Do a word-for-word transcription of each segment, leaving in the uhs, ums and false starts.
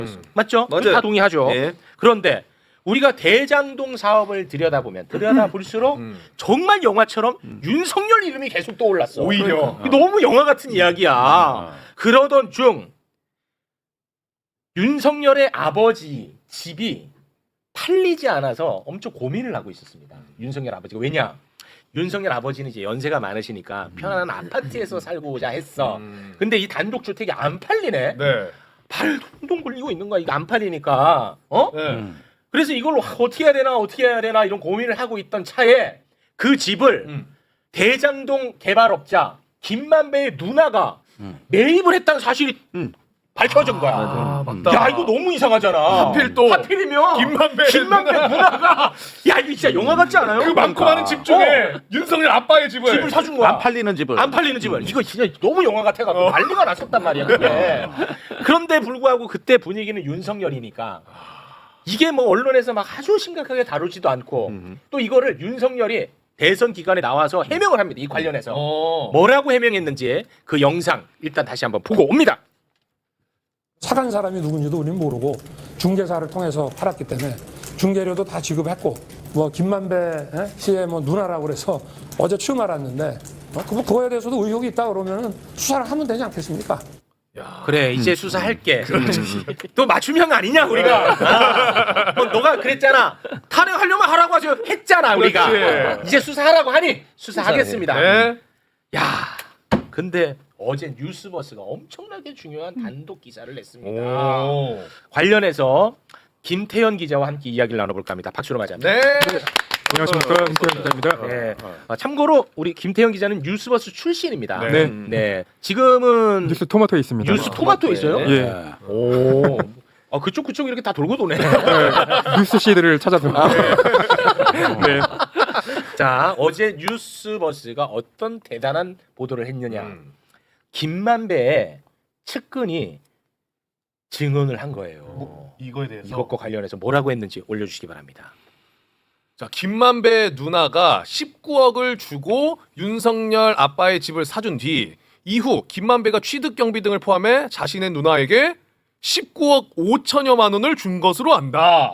음. 맞죠? 맞아요. 다 동의하죠. 예. 그런데 우리가 대장동 사업을 들여다보면 들여다볼수록 음. 정말 영화처럼 윤석열 이름이 계속 떠올랐어. 오히려. 그러니까. 너무 영화 같은 이야기야. 그러던 중 윤석열의 아버지 집이 팔리지 않아서 엄청 고민을 하고 있었습니다. 윤석열 아버지가. 왜냐? 윤석열 아버지는 이제 연세가 많으시니까 편안한 아파트에서 살고자 했어. 음. 근데 이 단독주택이 안 팔리네. 네. 발 동동 굴리고 있는 거야. 이거 안 팔리니까. 어? 네. 그래서 이걸 어떻게 해야 되나 어떻게 해야 되나 이런 고민을 하고 있던 차에 그 집을 음. 대장동 개발업자 김만배의 누나가 음. 매입을 했다는 사실이 음. 밝혀진 거야. 아, 맞다. 야 이거 너무 이상하잖아. 하필 또 하필이면 김만배 김만배 누나가 야 이거 진짜 영화 같지 않아요? 그 많고 많은 집 중에 윤석열 아빠의 집을 집을 사준 거야. 안 팔리는 집을 안 팔리는 집을. 이거 진짜 너무 영화 같아갖고 어. 난리가 났었단 말이야. 그게. 그런데 불구하고 그때 분위기는 윤석열이니까 이게 뭐 언론에서 막 아주 심각하게 다루지도 않고 음. 또 이거를 윤석열이 대선 기간에 나와서 해명을 합니다. 이 관련해서 어. 뭐라고 해명했는지 그 영상 일단 다시 한번 보고 옵니다. 사간 사람이 누군지도 우리는 모르고 중개사를 통해서 팔았기 때문에 중개료도 다 지급했고 뭐 김만배 에? 씨의 뭐 누나라고 그래서 어제 처음 알았는데 어? 그- 그거에 대해서도 의혹이 있다 그러면은 수사를 하면 되지 않겠습니까? 야. 그래 이제 수사할게. 또 맞춤형 아니냐 우리가. 아, 뭐 너가 그랬잖아. 탄핵하려면 하라고 하죠. 했잖아 우리가. 그렇지. 이제 수사하라고 하니 수사하겠습니다. 네. 야, 근데 어제 뉴스버스가 엄청나게 중요한 단독 기사를 냈습니다. 오. 관련해서 김태현 기자와 함께 이야기를 나눠볼까 합니다. 박수로 맞이합니다. 네. 안녕하십니까, 김태현 기자입니다. 네. 아, 참고로 우리 김태현 기자는 뉴스버스 출신입니다. 네. 네. 네. 지금은 뉴스 토마토에 있습니다. 뉴스 토마토에 있어요? 예. 오. 아 그쪽 그쪽 이렇게 다 돌고 도네. 뉴스 시드를 찾아서. 네. 자 어제 뉴스버스가 어떤 대단한 보도를 했느냐. 음. 김만배의 측근이 증언을 한 거예요. 이거에 대해서 이것과 관련해서 뭐라고 했는지 올려주시기 바랍니다. 자, 김만배 누나가 십구억을 주고 윤석열 아빠의 집을 사준 뒤 이후 김만배가 취득 경비 등을 포함해 자신의 누나에게 십구억 오천여만 원을 준 것으로 안다.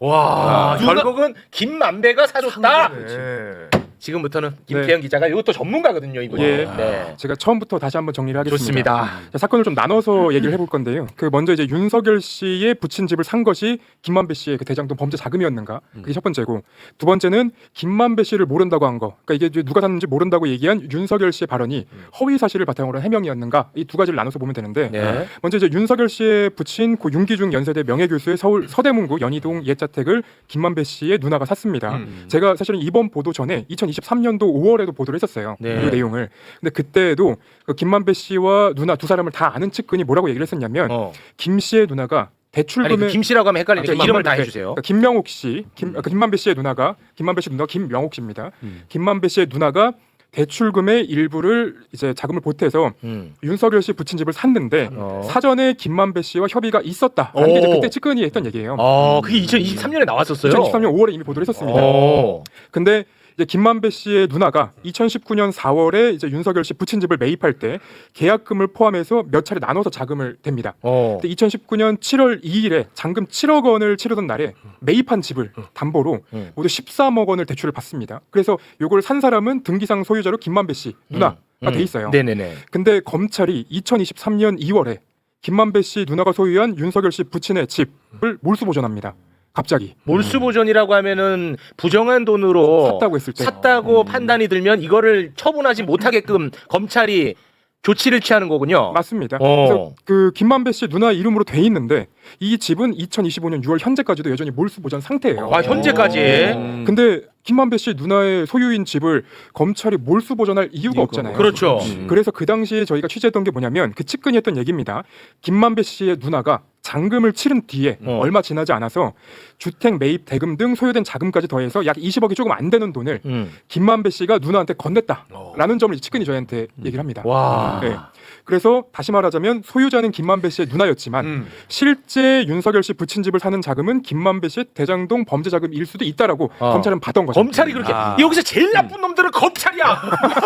와, 아, 결국은 김만배가 사줬다. 네. 지금부터는 김태현 기자가 이것도 전문가거든요, 이분이. 예. 네. 제가 처음부터 다시 한번 정리를 하겠습니다. 좋습니다. 자, 사건을 좀 나눠서 얘기를 해볼 건데요. 그 먼저 이제 윤석열 씨의 부친 집을 산 것이 김만배 씨의 그 대장동 범죄 자금이었는가? 그게 첫 번째고, 두 번째는 김만배 씨를 모른다고 한 거. 그러니까 이게 이제 누가 샀는지 모른다고 얘기한 윤석열 씨의 발언이 허위 사실을 바탕으로 한 해명이었는가? 이 두 가지를 나눠서 보면 되는데, 네. 먼저 이제 윤석열 씨의 부친 고 윤기중 연세대 명예교수의 서울 서대문구 연희동 옛자택을 김만배 씨의 누나가 샀습니다. 음. 제가 사실은 이번 보도 전에 이천이십삼 년도 오월에도 보도를 했었어요. 네. 그 내용을. 근데 그때도 그 김만배 씨와 누나 두 사람을 다 아는 측근이 뭐라고 얘기를 했었냐면 어. 김 씨의 누나가 아니 대출금에 그 김 씨라고 하면 헷갈리니까 아, 이름을 다 김만배, 해주세요. 그러니까 김명옥 씨, 김, 아, 그 김만배 씨의 누나가 김만배 씨 누나 김명옥 씨입니다. 음. 김만배 씨의 누나가 대출금의 일부를 이제 자금을 보태서 음. 윤석열 씨 부친 집을 샀는데 어. 사전에 김만배 씨와 협의가 있었다라는 게 이제 오. 그때 측근이 했던 얘기예요. 어, 그게 이천이십삼 년에 나왔었어요. 이천이십삼 년 오월에 이미 보도를 했었습니다. 어. 근데 이제 김만배 씨의 누나가 이천십구 년 사월에 이제 윤석열 씨 부친 집을 매입할 때 계약금을 포함해서 몇 차례 나눠서 자금을 댑니다. 어. 근데 이천십구 년 칠월 이일에 잔금 칠억 원을 치르던 날에 매입한 집을 담보로 음. 모두 십삼억 원을 대출을 받습니다. 그래서 요걸 산 사람은 등기상 소유자로 김만배 씨 누나가 음. 돼 있어요. 네네네. 근데 검찰이 이천이십삼 년 이월에 김만배 씨 누나가 소유한 윤석열 씨 부친의 집을 몰수 보존합니다. 갑자기 몰수 보존이라고 하면은 부정한 돈으로 샀다고 했을 때 샀다고 판단이 들면 이거를 처분하지 못하게끔 검찰이 조치를 취하는 거군요. 맞습니다. 어. 그래서 그 김만배 씨 누나 이름으로 돼 있는데 이 집은 이천이십오 년 유월 현재까지도 여전히 몰수 보존 상태예요. 아 현재까지. 음. 근데 김만배 씨 누나의 소유인 집을 검찰이 몰수 보존할 이유가 없잖아요. 그렇죠. 그래서 그 당시에 저희가 취재했던 게 뭐냐면 그 측근이 했던 얘기입니다. 김만배 씨의 누나가 잔금을 치른 뒤에 어. 얼마 지나지 않아서 주택 매입 대금 등 소요된 자금까지 더해서 약 이십억이 조금 안 되는 돈을 음. 김만배 씨가 누나한테 건넸다라는 점을 이 측근이 저희한테 얘기를 합니다. 와. 네. 그래서 다시 말하자면 소유자는 김만배 씨의 누나였지만 음. 실제 윤석열 씨 부친 집을 사는 자금은 김만배 씨의 대장동 범죄 자금일 수도 있다라고 어. 검찰은 받은 거죠. 검찰이 그렇게 여기서 제일 나쁜 놈들은 검찰이야.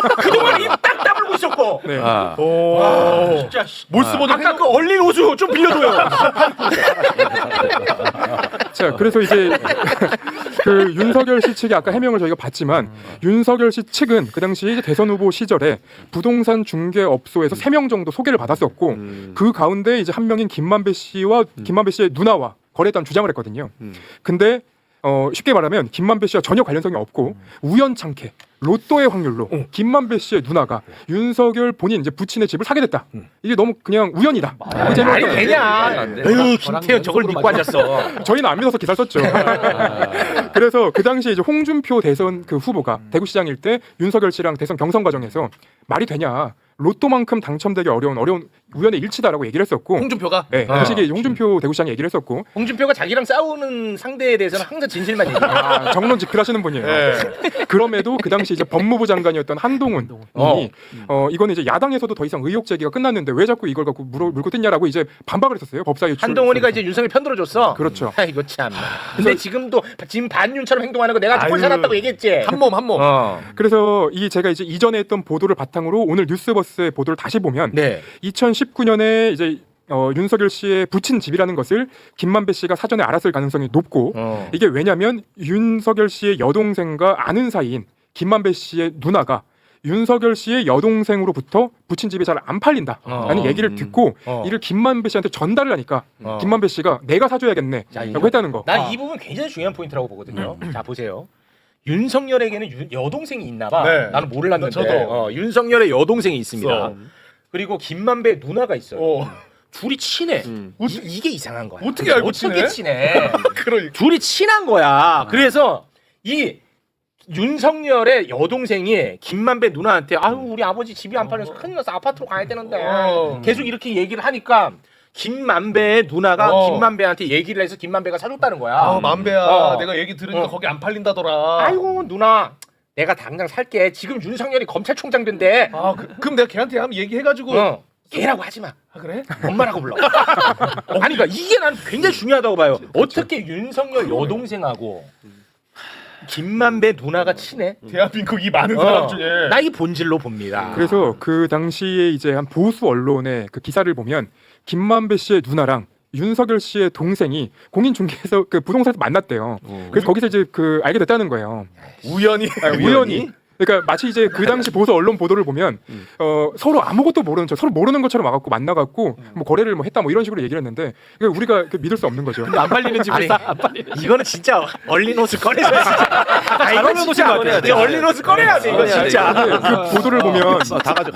그동안 입 딱 다물고 있었고. 네. 아, 오. 와, 진짜 씨. 몰수 보존 아까 그 얼린 호수 좀 빌려줘요. 자, 그래서 이제 그 윤석열 씨 측의 아까 해명을 저희가 봤지만 윤석열 씨 측은 그 당시 이제 대선 후보 시절에 부동산 중개업소에서 세 명 정도 소개를 받았었고 음. 그 가운데 이제 한 명인 김만배 씨와 김만배 씨의 누나와 거래했다는 주장을 했거든요. 음. 근데 어, 쉽게 말하면 김만배 씨와 전혀 관련성이 없고 우연찮게 로또의 확률로 김만배 씨의 누나가 윤석열 본인 이제 부친의 집을 사게 됐다. 이게 너무 그냥 우연이다. 그 제목을 아니 되냐? 에휴 김태현 저걸 믿고 앉았어. 저희는 안 믿어서 기사를 썼죠. 그래서 그 당시에 이제 홍준표 대선 그 후보가 대구시장일 때 윤석열 씨랑 대선 경선 과정에서 말이 되냐? 로또만큼 당첨되기 어려운 어려운 우연의 일치다라고 얘기를 했었고, 홍준표가 네, 어. 당시 이게 홍준표 대구시장이 얘기를 했었고, 홍준표가 자기랑 싸우는 상대에 대해서는 항상 진실만 얘기해. 아, 정론 직필하시는 분이에요. 예. 그럼에도 그 당시 이제 법무부 장관이었던 한동훈 님이 어, 이거는 이제 야당에서도 더 이상 의혹 제기가 끝났는데 왜 자꾸 이걸 갖고 물어, 물고 뜯냐라고 이제 반박을 했었어요. 법사 유출. 한동훈이가 이제 윤석열 편들어줬어. 그렇죠. 아이고 참. 근데 지금도 지금 반윤처럼 행동하는 거 내가 꼴 아유. 살았다고 얘기했지. 한 몸 한 몸. 어. 그래서 이 제가 이제 이전에 했던 보도를 바탕으로 오늘 뉴스버스의 보도를 다시 보면 네. 이천십구 년에 이제 어, 윤석열 씨의 부친 집이라는 것을 김만배 씨가 사전에 알았을 가능성이 높고 어. 이게 왜냐면 윤석열 씨의 여동생과 아는 사이인 김만배 씨의 누나가 윤석열 씨의 여동생으로부터 부친 집이 잘 안 팔린다라는 어. 얘기를 듣고 어. 이를 김만배 씨한테 전달을 하니까 어. 김만배 씨가 내가 사줘야겠네 자, 라고 했다는 거. 난 이 부분 굉장히 중요한 포인트라고 보거든요. 자 보세요. 윤석열에게는 유- 여동생이 있나봐. 네. 나는 몰랐는데. 저도. 어, 윤석열의 여동생이 있습니다. 있어. 그리고 김만배 누나가 있어요. 어. 둘이 친해. 음. 이, 이게 이상한 거야. 어떻게 알고 어떻게 친해? 친해? 그러니까. 둘이 친한 거야. 그래서 이 윤석열의 여동생이 김만배 누나한테 아유 우리 아버지 집이 안 팔려서 큰일 났어 아파트로 가야 되는데 어. 계속 이렇게 얘기를 하니까 김만배의 누나가 어. 김만배한테 얘기를 해서 김만배가 사줬다는 거야. 아, 만배야. 어. 내가 얘기 들으니까 어. 거기 안 팔린다더라. 아이고 누나 내가 당장 살게. 지금 윤석열이 검찰총장 된대. 아, 그, 그럼 내가 걔한테 한번 얘기해가지고. 어. 걔라고 하지 마. 아, 그래? 엄마라고 불러. 아니 그러니까 이게 난 굉장히 중요하다고 봐요. 어떻게 윤석열 여동생하고 김만배 누나가 친해? 대한민국 이 많은 사람 어. 중에. 나 이 본질로 봅니다. 그래서 그 당시에 이제 한 보수 언론의 그 기사를 보면 김만배 씨의 누나랑 윤석열 씨의 동생이 공인중개에서 그 부동산에서 만났대요. 그래서 거기서 이제 그 알게 됐다는 거예요. 우연히. 아, 우연히. 그러니까 마치 이제 그 당시 보수 언론 보도를 보면 어, 서로 아무것도 모르는 척, 서로 모르는 것처럼 와갖고 만나갖고 뭐 거래를 뭐 했다 뭐 이런 식으로 얘기를 했는데 그러니까 우리가 그 믿을 수 없는 거죠. 안 팔리는 집을 사. 안 팔리는 이거는 진짜 얼린옷을 꺼내서 진짜. 아, 이거 진짜 이거 얼린옷을 꺼내야 돼. 이거 진짜. 근데 그 보도를 보면 다 가져.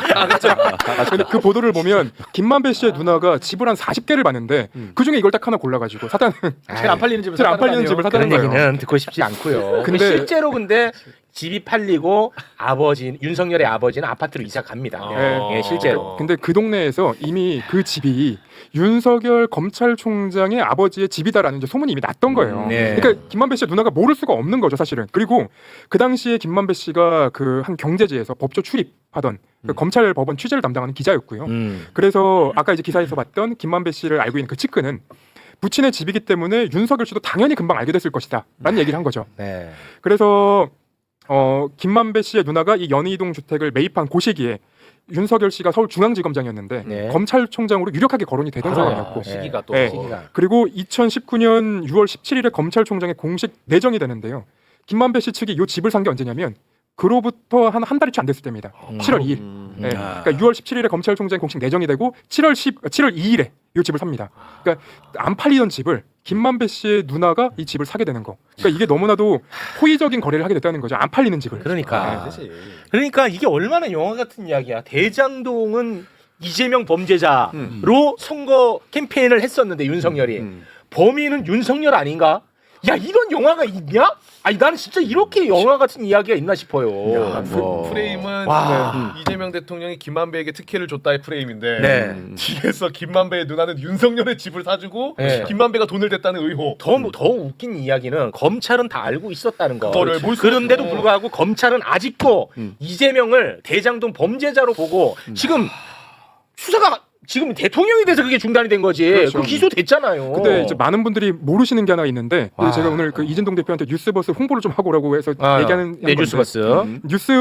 근데 그 보도를 보면 김만배 씨의 누나가 집을 한 사십 개를 봤는데 그 중에 이걸 딱 하나 골라가지고 사다는 제일 안 팔리는 집을 제일 안 샀다는 팔리는 거 집을 아니에요? 사다는 그런 거예요. 얘기는 듣고 싶지 않고요. 근데- 근데 실제로 근데 집이 팔리고 아버지 윤석열의 아버지는 아파트로 이사 갑니다. 어. 예, 실제로. 근데 그 동네에서 이미 그 집이 윤석열 검찰총장의 아버지의 집이다라는 이제 소문이 이미 났던 거예요. 음, 네. 그러니까 김만배 씨의 누나가 모를 수가 없는 거죠, 사실은. 그리고 그 당시에 김만배 씨가 그 한 경제지에서 법조 출입하던 그 검찰 법원 취재를 담당하는 기자였고요. 음. 그래서 아까 이제 기사에서 봤던 김만배 씨를 알고 있는 그 측근은 부친의 집이기 때문에 윤석열 씨도 당연히 금방 알게 됐을 것이다라는 얘기를 한 거죠. 네. 그래서 어, 김만배 씨의 누나가 이 연희동 주택을 매입한 그 시기에 윤석열 씨가 서울중앙지검장이었는데 네. 검찰총장으로 유력하게 거론이 되던 아, 상황이었고 네. 시기가 또. 네. 시기가. 그리고 이천십구 년 유월 십칠일에 검찰총장의 공식 내정이 되는데요. 김만배 씨 측이 이 집을 산 게 언제냐면 그로부터 한 한 달이 채 안 됐을 때입니다. 칠월 이일. 네. 그러니까 유월 십칠일에 검찰총장 공식 내정이 되고 칠월 십 칠월 이일에 이 집을 삽니다. 그러니까 안 팔리던 집을 김만배 씨의 누나가 이 집을 사게 되는 거. 그러니까 이게 너무나도 호의적인 거래를 하게 됐다는 거죠. 안 팔리는 집을. 그러니까. 네, 그러니까 이게 얼마나 영화 같은 이야기야. 대장동은 이재명 범죄자로 선거 캠페인을 했었는데 윤석열이 범인은 윤석열 아닌가? 야 이런 영화가 있냐? 아니 나는 진짜 이렇게 영화 같은 이야기가 있나 싶어요. 야, 뭐. 프레임은 와. 네, 이재명 대통령이 김만배에게 특혜를 줬다의 프레임인데 네. 뒤에서 김만배의 누나는 윤석열의 집을 사주고 네. 김만배가 돈을 댔다는 의혹. 더, 더 웃긴 이야기는 검찰은 다 알고 있었다는 거. 그거를 볼 수- 그런데도 어. 불구하고 검찰은 아직도 이재명을 대장동 범죄자로 보고 지금 수사가 지금 대통령이 돼서 그게 중단이 된 거지. 그렇죠. 그 기소됐잖아요. 근데 이제 많은 분들이 모르시는 게 하나 있는데 와. 제가 오늘 그 이진동 대표한테 뉴스버스 홍보를 좀 하고 오라고 해서 아, 얘기하는 네, 건데 뉴스버스. 음.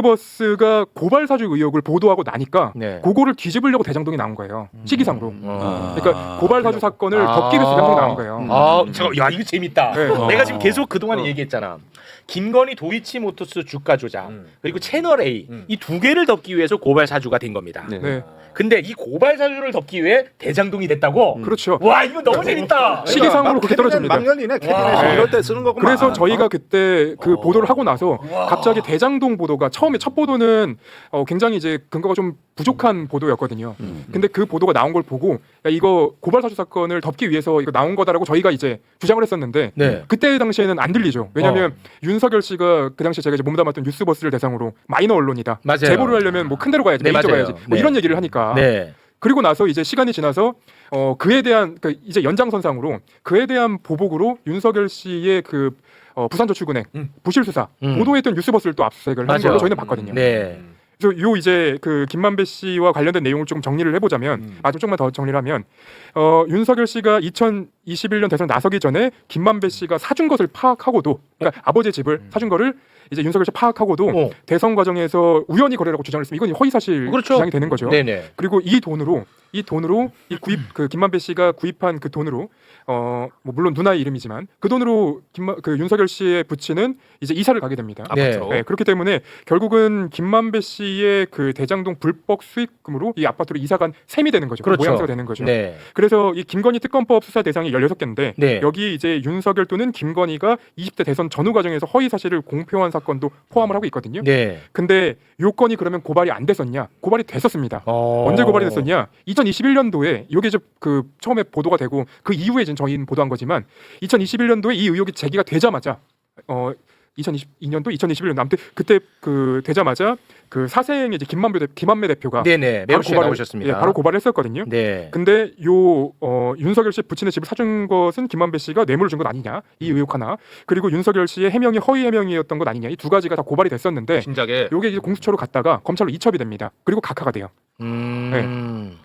뉴스버스가 고발 사주 의혹을 보도하고 나니까 네. 그거를 뒤집으려고 대장동이 나온 거예요. 시기상으로. 어. 그러니까 고발 사주 사건을 아. 덮기 위해서 대장동이 나온 거예요. 아, 잠깐, 야 이거 재밌다. 네. 내가 지금 계속 그 동안에 어. 얘기했잖아. 김건희 도이치모터스 주가 조작 음. 그리고 채널 A 음. 이 두 개를 덮기 위해서 고발 사주가 된 겁니다. 네. 네. 근데 이 고발 사주를 덮기 위해 대장동이 됐다고. 그렇죠. 와 이거 너무 재밌다. 시기상으로 그렇게 떨어집니다. 막 열리네. 와. 캐비넷 이럴 때 쓰는 거구만. 그래서 저희가 그때 그 어. 보도를 하고 나서 갑자기 대장동 보도가 처음에 첫 보도는 어 굉장히 이제 근거가 좀 부족한 보도였거든요. 음. 근데 그 보도가 나온 걸 보고 야, 이거 고발 사주 사건을 덮기 위해서 이거 나온 거다라고 저희가 이제 주장을 했었는데 네. 그때 당시에는 안 들리죠. 왜냐하면 어. 윤석열 씨가 그 당시 제가 이제 몸담았던 뉴스버스를 대상으로 마이너 언론이다. 맞아요. 제보를 하려면 뭐 큰 데로 가야지, 네, 메이저 맞아요. 가야지. 뭐 네. 이런 얘기를 하니까. 네. 그리고 나서 이제 시간이 지나서 어 그에 대한 그 이제 연장선상으로 그에 대한 보복으로 윤석열 씨의 그 어, 부산저축은행 음. 부실 수사 음. 보도했던 뉴스버스를 또 압수수색을 한 맞아요. 걸로 저희는 봤거든요. 네. 그래서 요 이제 그 김만배 씨와 관련된 내용을 조금 정리를 해보자면 음. 아주 조금만 더 정리를 하면 어, 윤석열 씨가 이천이십일 년 대선 나서기 전에 김만배 씨가 사준 것을 파악하고도 그러니까 아버지의 집을 사준 거를 이제 윤석열 씨 파악하고도 어. 대선 과정에서 우연히 거래라고 주장을 했으면 이건 허위사실 그렇죠. 주장이 되는 거죠. 네네. 그리고 이 돈으로 이 돈으로 이 구입 그 김만배 씨가 구입한 그 돈으로 어뭐 물론 누나의 이름이지만 그 돈으로 김만 그 윤석열 씨의 부친은 이제 이사를 가게 됩니다. 네. 아파트로. 네, 그렇기 때문에 결국은 김만배 씨의 그 대장동 불법 수익금으로 이 아파트로 이사간 셈이 되는 거죠. 그렇죠. 모양새가 되는 거죠. 네. 그래서 이 김건희 특검법 수사 대상이 열여섯 개인데 네. 여기 이제 윤석열 또는 김건희가 이십 대 대선 전후 과정에서 허위 사실을 공표한 사건도 포함을 하고 있거든요. 네. 근데 요건이 그러면 고발이 안 됐었냐? 고발이 됐었습니다. 어. 언제 고발이 됐었냐? 이천이십일 년도에 이게 이제 그 처음에 보도가 되고 그 이후에 이제 저희는 보도한 거지만 이천이십일 년도에 이 의혹이 제기가 되자마자 어 이천이십이 년도 이천이십일 년도 아무튼 그때 그 되자마자 그 사생의 이제 김만배 대, 김만배 대표가 네네. 매우 씨가 나오셨습니다. 예, 바로 고발을 했었거든요. 네. 근데 요 어, 윤석열 씨 부친의 집을 사준 것은 김만배 씨가 뇌물을 준 것 아니냐 이 의혹 하나 그리고 윤석열 씨의 해명이 허위 해명이었던 것 아니냐 이 두 가지가 다 고발이 됐었는데 진작에 요게 이제 공수처로 갔다가 검찰로 이첩이 됩니다. 그리고 각하가 돼요. 음.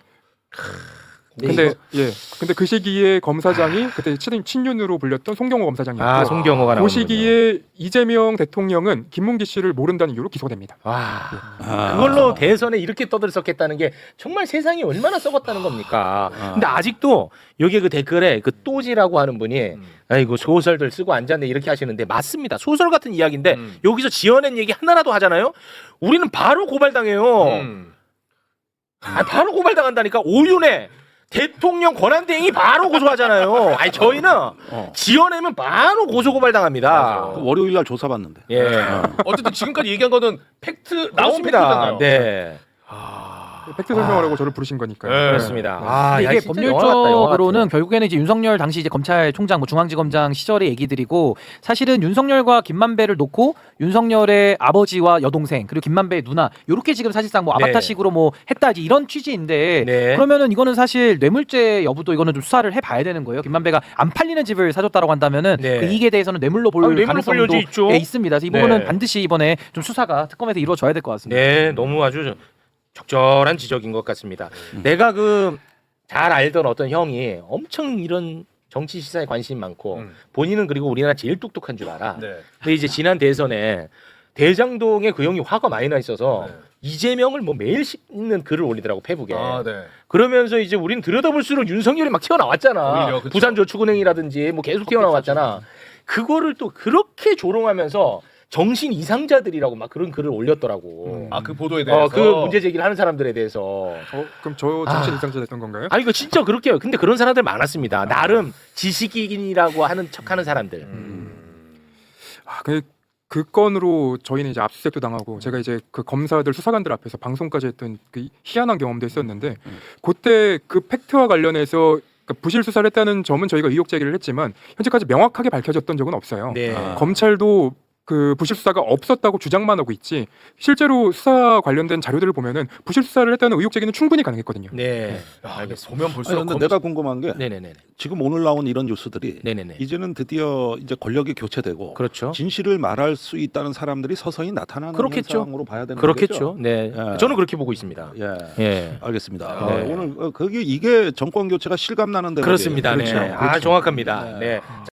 근데 예, 근데 그 시기에 검사장이 그때 친, 친윤으로 불렸던 송경호 검사장이었고 아 송경호가 나오는 그 시기에 이재명 대통령은 김문기 씨를 모른다는 이유로 기소됩니다. 와 아. 그걸로 대선에 이렇게 떠들썩했다는 게 정말 세상이 얼마나 썩었다는 겁니까? 아. 근데 아직도 여기 그 댓글에 그 또지라고 하는 분이 음. 아이고 소설들 쓰고 앉았네 이렇게 하시는데 맞습니다. 소설 같은 이야기인데 음. 여기서 지어낸 얘기 하나라도 하잖아요. 우리는 바로 고발당해요. 음. 아, 바로 고발당한다니까. 오윤회 대통령 권한대행이 바로 고소하잖아요. 아니 저희는 어. 지어내면 바로 고소 고발당합니다. 맞아. 월요일 날 조사받는데. 예. 어쨌든 지금까지 얘기한 거는 팩트 나온 나옵니다. 팩트잖아요. 네. 팩트 설명하라고 저를 부르신 거니까요. 네. 그렇습니다. 아, 근데 야, 이게 진짜 영화 같다, 영화 법률적으로는 같아. 결국에는 이제 윤석열 당시 이제 검찰총장, 뭐 중앙지검장 시절의 얘기들이고 사실은 윤석열과 김만배를 놓고 윤석열의 아버지와 여동생 그리고 김만배의 누나 이렇게 지금 사실상 뭐 네. 아바타식으로 뭐 했다지 이런 취지인데 네. 그러면은 이거는 사실 뇌물죄 여부도 이거는 좀 수사를 해봐야 되는 거예요. 김만배가 안 팔리는 집을 사줬다라고 한다면은 네. 그 이익에 대해서는 뇌물로 볼 아, 뇌물로 가능성도 볼 여지 있죠. 예, 있습니다. 그래서 이 부분은 네. 반드시 이번에 좀 수사가 특검에서 이루어져야 될 것 같습니다. 네, 너무 아주 적절한 지적인 것 같습니다. 내가 그 잘 알던 어떤 형이 엄청 이런 정치 시사에 관심이 많고 음. 본인은 그리고 우리나라 제일 똑똑한 줄 알아. 네. 근데 이제 지난 대선에 대장동에 그 형이 화가 많이 나 있어서 네. 이재명을 뭐 매일 씹는 글을 올리더라고 페북에. 아, 네. 그러면서 이제 우리는 들여다볼수록 윤석열이 막 튀어나왔잖아. 오히려, 그쵸. 부산저축은행이라든지 뭐 계속 튀어나왔잖아. 그거를 또 그렇게 조롱하면서 정신 이상자들이라고 막 그런 글을 올렸더라고. 아, 그 보도에 대해서 어, 그 문제 제기를 하는 사람들에 대해서. 어, 그럼 저 정신 이상자 됐던 건가요? 아니 그 진짜 그렇게 해요. 근데 그런 사람들 많았습니다. 나름 지식인이라고 하는 척하는 사람들. 아, 그, 그 건으로 저희는 이제 압수수색도 당하고 제가 이제 그 검사들 수사관들 앞에서 방송까지 했던 그 희한한 경험도 있었는데 그때 그 팩트와 관련해서 그러니까 부실 수사를 했다는 점은 저희가 의혹 제기를 했지만 현재까지 명확하게 밝혀졌던 적은 없어요. 네. 아. 검찰도 그 부실 수사가 없었다고 주장만 하고 있지 실제로 수사 관련된 자료들을 보면은 부실 수사를 했다는 의혹 제기는 충분히 가능했거든요. 네. 야, 알겠습니다. 보면 아니, 볼수록 근데 검... 내가 궁금한 게 네네네. 지금 오늘 나온 이런 뉴스들이 네네네. 이제는 드디어 이제 권력이 교체되고 그렇죠. 진실을 말할 수 있다는 사람들이 서서히 나타나는 그렇겠죠. 현상으로 봐야 되는 그렇겠죠. 거죠. 네. 예. 저는 그렇게 보고 있습니다. 예. 예. 알겠습니다. 네. 어, 오늘 어, 그게 이게 정권 교체가 실감 나는 데 그렇습니다. 네. 그렇죠. 아, 정확합니다. 네.